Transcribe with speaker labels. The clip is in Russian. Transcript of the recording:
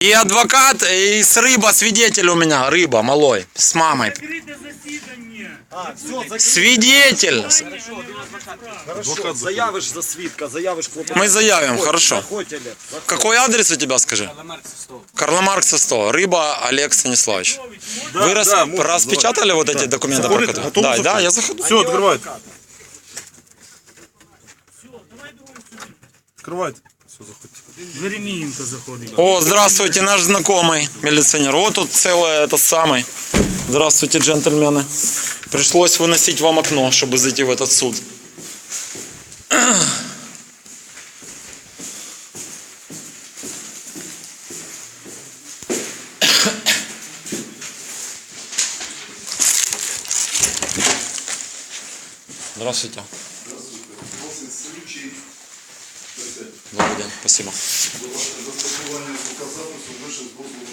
Speaker 1: И адвокат, и с рыба свидетель у меня. Рыба, малой, с мамой. Свидетель.
Speaker 2: Хорошо, заявиш за свідка, заявиш клопотання.
Speaker 1: Мы заявим, хорошо.
Speaker 2: Заходьте, Олег.
Speaker 1: Какой адрес у тебя, скажи? Карла Маркса 100. Рыба Олег Станиславович. Вы распечатали вот эти документы? про которые- Да, я заходу.
Speaker 3: Все, открывайте. Открывайте. Все, заходите.
Speaker 4: Веремієнко заходить.
Speaker 1: О, здравствуйте, наш знакомый милиционер. Вот тут целое это самый. Здравствуйте, джентльмены. Пришлось выносить вам окно, чтобы зайти в этот суд. Здравствуйте. Добрый день, спасибо.
Speaker 5: Застосування звукозапису вище з дозволу